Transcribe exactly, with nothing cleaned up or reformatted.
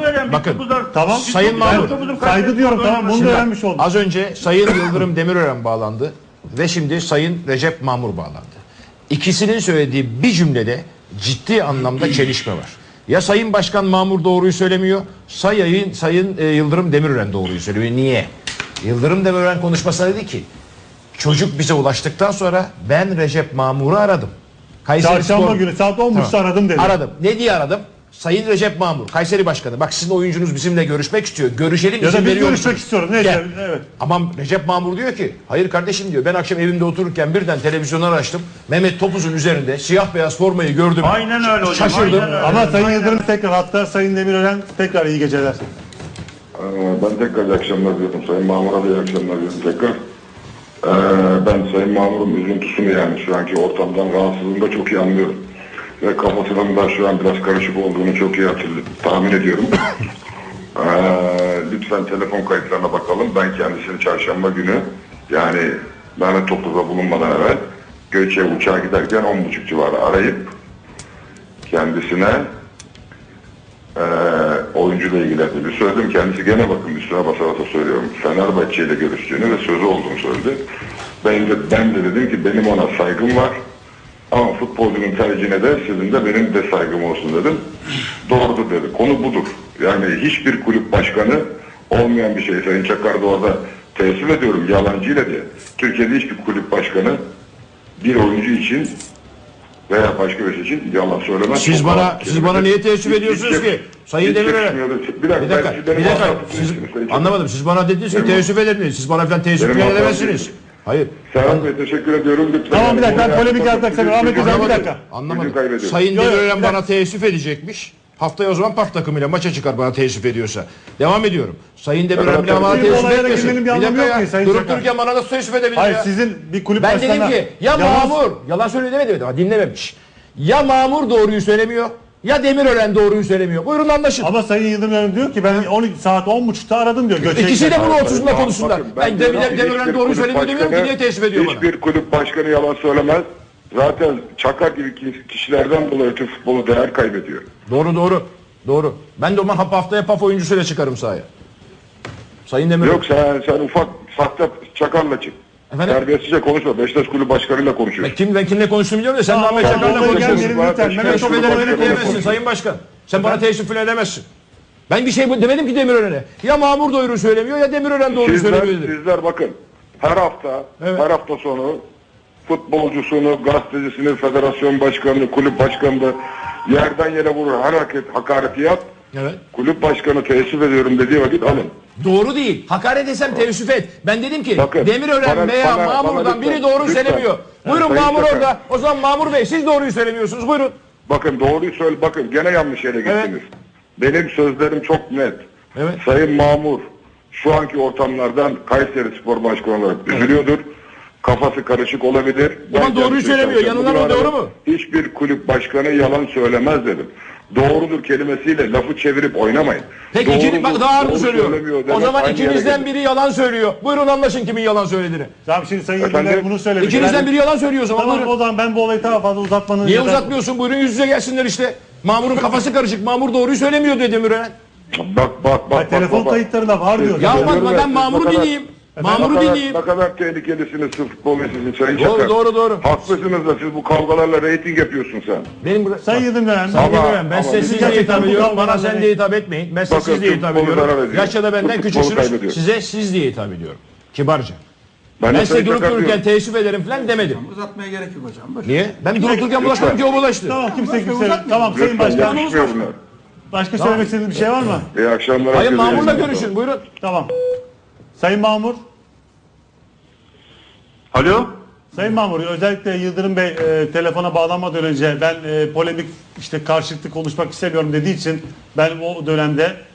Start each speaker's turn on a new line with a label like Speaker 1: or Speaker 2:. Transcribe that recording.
Speaker 1: vereceğim.
Speaker 2: Bakın,
Speaker 1: Topuzlar,
Speaker 3: tamam.
Speaker 2: Sayın Mahmur.
Speaker 3: Saygı diyorum, tamam, bunu da öğrenmiş oldum.
Speaker 2: Az önce Sayın Yıldırım Demirören bağlandı ve şimdi Sayın Recep Mamur bağlandı. İkisinin söylediği bir cümlede ciddi anlamda çelişme var. Ya Sayın Başkan Mamur doğruyu söylemiyor, Sayın, Sayın e, Yıldırım Demirören doğruyu söylüyor. Niye? Yıldırım Demirören konuşmasında dedi ki, çocuk bize ulaştıktan sonra ben Recep Mamur'u aradım. Kayseri
Speaker 3: Çarşamba
Speaker 2: Spor...
Speaker 3: günü saat on buçukta
Speaker 2: tamam.
Speaker 3: aradım dedi.
Speaker 2: Aradım. Ne diye aradım? Sayın Recep Mamur, Kayseri Başkanı. Bak sizin oyuncunuz bizimle görüşmek istiyor. Görüşelim,
Speaker 3: ya
Speaker 2: izin
Speaker 3: da biz
Speaker 2: veriyor
Speaker 3: görüşmek
Speaker 2: musunuz?
Speaker 3: istiyoruz. Neyse, evet.
Speaker 2: Ama Recep Mamur diyor ki, hayır kardeşim diyor, ben akşam evimde otururken birden televizyonları açtım. Mehmet Topuz'un üzerinde siyah beyaz formayı gördüm.
Speaker 1: Aynen öyle hocam.
Speaker 2: Şaşırdım.
Speaker 1: Aynen öyle.
Speaker 3: Ama Sayın
Speaker 1: Aynen
Speaker 3: Yıldırım
Speaker 1: öyle.
Speaker 3: tekrar hatta, Sayın Demirören tekrar iyi geceler.
Speaker 4: Ee, Ben tekrar iyi akşamlar diyorum. Sayın Mamur'a da iyi akşamlar diyorum tekrar. Ee, ben Sayın Mamur'un üzüntüsünü, yani şu anki ortamdan rahatsızlığını da çok iyi anlıyorum. Ve kafasının da şu an biraz karışık olduğunu çok iyi hatırlıyorum, tahmin ediyorum. Ee, lütfen telefon kayıtlarına bakalım. Ben kendisini çarşamba günü, yani Mehmet Topuz'a bulunmadan evvel Göçe uçağa giderken on buçuk civarı arayıp kendisine Ee, oyuncuyla ilgili bir söyledim. Kendisi gene bakın üstüne basa basa söylüyorum. Fenerbahçe ile görüştüğünü ve sözü olduğunu söyledi. Ben de, ben de dedim ki benim ona saygım var. Ama futbolcunun tercihine de sizin de benim de saygım olsun dedim. Doğrudur dedi. Konu budur. Yani hiçbir kulüp başkanı olmayan bir şey. Sayın Çakar da orada teessüf ediyorum yalancıyla diye. Türkiye'de hiçbir kulüp başkanı bir oyuncu için veya başka bir şey için yalan söylemez.
Speaker 2: Siz
Speaker 4: Çok
Speaker 2: bana
Speaker 4: rahat
Speaker 2: siz bana niye teessüf
Speaker 4: hiç-
Speaker 2: ediyorsunuz
Speaker 4: hiç-
Speaker 2: ki? Sayın
Speaker 4: hiç
Speaker 2: Demirören.
Speaker 4: yakışmıyordu. Bir
Speaker 2: Bir
Speaker 4: dakika,
Speaker 2: dakika.
Speaker 4: ben-
Speaker 2: Bir
Speaker 4: benim
Speaker 2: dakika.
Speaker 4: hatam-
Speaker 2: Siz,
Speaker 4: Sayın-
Speaker 2: anlamadım. Siz bana dediniz ki
Speaker 4: Benim-
Speaker 2: teessüf ederim. Siz bana falan teessüf
Speaker 4: Benim
Speaker 2: falan
Speaker 4: hatam
Speaker 2: edemezsiniz.
Speaker 4: değil.
Speaker 2: Hayır.
Speaker 4: Serhat Bey teşekkür ediyorum. Lütfen.
Speaker 3: Tamam, bir dakika, ben
Speaker 4: Yani
Speaker 3: polemik
Speaker 4: bunu
Speaker 3: yaratmak istemiyorum. Ahmet Özel, bir
Speaker 2: Anlamadım.
Speaker 3: dakika.
Speaker 2: Anlamadım.
Speaker 4: Gücü kaybediyorum.
Speaker 2: Sayın
Speaker 3: Yok, yok,
Speaker 2: Demirören
Speaker 3: bir
Speaker 2: bana
Speaker 3: dakika.
Speaker 2: teessüf edecekmiş. Haftaya o zaman P A F takımıyla maça çıkar bana teessüf ediyorsa. Devam ediyorum. Sayın Demirören bile bana
Speaker 3: Sizin
Speaker 2: teessüf
Speaker 3: olaylara
Speaker 2: etmesin.
Speaker 3: girmenin bir
Speaker 2: Bir
Speaker 3: anlamı
Speaker 2: dakika
Speaker 3: yok
Speaker 2: ya.
Speaker 3: ki Sayın
Speaker 2: Durup
Speaker 3: Çakar.
Speaker 2: dururken bana nasıl teessüf edebilir
Speaker 3: Hayır,
Speaker 2: ya?
Speaker 3: sizin bir kulüp
Speaker 2: Ben
Speaker 3: başkanına...
Speaker 2: dedim ki ya
Speaker 3: Yalnız-
Speaker 2: Mamur, yalan söyledi demedi ama dinlememiş. Ya Mamur doğruyu söylemiyor ya Demirören doğruyu söylemiyor. Buyurun anlaşın.
Speaker 3: Ama Sayın Yıldırım diyor ki ben on iki saat on buçukta aradım diyor. Göçek'te.
Speaker 2: İkisi de bunu
Speaker 4: Bakın,
Speaker 2: otuzunda konuşsunlar.
Speaker 4: bakın,
Speaker 2: Ben
Speaker 4: diyorum
Speaker 2: Demir-
Speaker 4: ki
Speaker 2: Demirören
Speaker 4: hiçbir
Speaker 2: doğru
Speaker 4: kulüp
Speaker 2: söylemiyor demiyorum ki
Speaker 4: başkanı-
Speaker 2: niye teessüf ediyor bana?
Speaker 4: Hiçbir kulüp başkanı yalan söylemez. Zaten Çakar gibi kişilerden dolayı Türk futbolu değer kaybediyor.
Speaker 2: Doğru doğru. Doğru. Ben de o zaman haftaya P A F oyuncusuyla çıkarım sahaya. Sayın Demirören.
Speaker 4: Yok sen, sen ufak sahte Çakar'la çık.
Speaker 2: Efendim?
Speaker 4: Terbiyesizce konuşma. Beşiktaş kulübü başkanıyla
Speaker 2: Ben
Speaker 4: konuşuyorsun.
Speaker 2: kim ben kimle konuştuğumu biliyorum da sen de
Speaker 3: Tamam,
Speaker 2: Ahmet
Speaker 3: tamam,
Speaker 2: Çakar'la
Speaker 3: oraya
Speaker 2: konuşuyorsun.
Speaker 3: gelmeyelim lütfen. Mehmet
Speaker 2: Teessüf
Speaker 3: Topuz'a
Speaker 2: ederim
Speaker 3: öyle
Speaker 2: diyemezsin
Speaker 3: konuşuyorsun.
Speaker 2: Sayın Başkan. Sen bana teessüf falan edemezsin. Ben bir şey bu- demedim ki Demirören'e. Ya Mamur doğru söylemiyor ya Demirören doğru
Speaker 4: Sizler,
Speaker 2: söylemiyor dedim.
Speaker 4: sizler bakın her hafta
Speaker 2: Evet.
Speaker 4: her hafta sonu futbolcusunu, gazetecisini, federasyon başkanını, kulüp başkanını yerden yere vurur, her hareket, hakareti yap.
Speaker 2: Evet.
Speaker 4: Kulüp başkanı teessüf ediyorum dediği vakit alın.
Speaker 2: Doğru değil. Hakaret etsem teessüf et. Ben dedim ki
Speaker 4: Bakın,
Speaker 2: Demirören
Speaker 4: bana-
Speaker 2: veya
Speaker 4: bana-
Speaker 2: Mamur'dan
Speaker 4: bana
Speaker 2: biri
Speaker 4: lütfen,
Speaker 2: doğruyu
Speaker 4: lütfen.
Speaker 2: söylemiyor. Buyurun
Speaker 4: Sayın
Speaker 2: Mamur
Speaker 4: Çakar.
Speaker 2: orada. O zaman Mamur Bey siz doğruyu söylemiyorsunuz. Buyurun.
Speaker 4: Bakın doğruyu söyle, bakın gene yanlış yere gittiniz.
Speaker 2: Evet.
Speaker 4: Benim sözlerim çok net.
Speaker 2: Evet.
Speaker 4: Sayın Mamur şu anki ortamlardan Kayseri Spor Başkanı olarak üzülüyordur. Kafası karışık olabilir.
Speaker 2: Ama
Speaker 4: Ben
Speaker 2: doğruyu
Speaker 4: kendisini
Speaker 2: söylemiyor.
Speaker 4: tanıyorum.
Speaker 2: Yanından
Speaker 4: Bugün
Speaker 2: o doğru
Speaker 4: aradım.
Speaker 2: mu?
Speaker 4: Hiçbir kulüp başkanı yalan söylemez dedim. Doğrudur kelimesiyle lafı çevirip oynamayın.
Speaker 2: Peki ikini,
Speaker 4: Doğrudur,
Speaker 2: bak daha ağır
Speaker 4: doğru
Speaker 2: söylüyor.
Speaker 4: söylemiyor
Speaker 2: O
Speaker 4: demek
Speaker 2: zaman
Speaker 4: aynı yere
Speaker 2: ikinizden
Speaker 4: gelir.
Speaker 2: biri yalan söylüyor. Buyurun anlaşın kimin yalan söylediğini.
Speaker 3: Tamam, şimdi Sayın
Speaker 4: Efendim?
Speaker 3: Yıldırım bunu söylemiş.
Speaker 2: İkinizden
Speaker 3: Ben-
Speaker 2: biri yalan söylüyor o zaman.
Speaker 3: Tamam,
Speaker 2: Buyurun.
Speaker 3: o zaman ben bu olayı daha fazla uzatmanın...
Speaker 2: Niye
Speaker 3: ya da-
Speaker 2: uzatmıyorsun? Buyurun yüz yüze gelsinler işte. Mamur'un kafası karışık. Mamur doğruyu söylemiyor dedi Demirören.
Speaker 4: Bak bak bak.
Speaker 3: Ay,
Speaker 4: bak,
Speaker 3: telefon
Speaker 4: bak, bak.
Speaker 3: kayıtlarında var diyor.
Speaker 2: Ya
Speaker 4: Görüyorum
Speaker 2: bak
Speaker 4: ben,
Speaker 2: ben
Speaker 4: siz
Speaker 2: Mamur'u
Speaker 4: ne kadar-
Speaker 2: dinleyeyim.
Speaker 4: Ne
Speaker 2: Mamur'u
Speaker 4: kadar,
Speaker 2: dinleyeyim.
Speaker 4: ne kadar tehlikelisiniz sırf futbol meselesi Sayın
Speaker 2: Doğru,
Speaker 4: Çakar.
Speaker 2: doğru, doğru.
Speaker 4: Haklısınız da siz bu kavgalarla reyting yapıyorsun sen.
Speaker 2: Benim burada...
Speaker 3: Sayın Yıldırım
Speaker 2: Sayın
Speaker 4: Ama-
Speaker 2: Demirören, ben
Speaker 4: ama
Speaker 2: size
Speaker 4: biz
Speaker 2: siz diye
Speaker 3: gerçekten
Speaker 2: hitap
Speaker 3: bu
Speaker 2: ediyorum. Bana
Speaker 3: kavgalarla-
Speaker 2: sen diye hitap etmeyin. Ben size
Speaker 4: Bakın,
Speaker 2: siz diye
Speaker 4: Türk
Speaker 2: hitap
Speaker 4: futbolu
Speaker 2: ediyorum.
Speaker 4: zarar ediyor.
Speaker 2: Yaşça da benden
Speaker 4: Türk futbolu
Speaker 2: küçüksünüz.
Speaker 4: kaybediyor.
Speaker 2: Size siz diye hitap ediyorum. Kibarca.
Speaker 4: Ben,
Speaker 2: Ben
Speaker 4: de
Speaker 2: size
Speaker 4: Sayın
Speaker 2: durup
Speaker 4: Çakar
Speaker 2: dururken
Speaker 4: diyorum.
Speaker 2: teessüf ederim falan demedim.
Speaker 5: Uzatmaya gerek yok hocam. Boş.
Speaker 2: Niye? Ben durup dururken bulaşmadım ki o bulaştı.
Speaker 3: Tamam, kimse
Speaker 5: Başka
Speaker 3: kimse...
Speaker 5: uzatmayın.
Speaker 3: Tamam Sayın
Speaker 4: Lütfen
Speaker 3: Başkan.
Speaker 4: görüşmüyor bunlar.
Speaker 3: Başka söylemek istediğiniz bir şey var mı?
Speaker 4: İyi akşamlar.
Speaker 2: Hayır
Speaker 4: herkese.
Speaker 2: Mamur'la
Speaker 4: İyi akşamlar.
Speaker 2: görüşün buyurun.
Speaker 3: Tamam. Sayın Mamur.
Speaker 1: Alo.
Speaker 3: Sayın Mamur, özellikle Yıldırım Bey e, telefona bağlanmadan önce ben e, polemik işte karşılıklı konuşmak istemiyorum dediği için ben o dönemde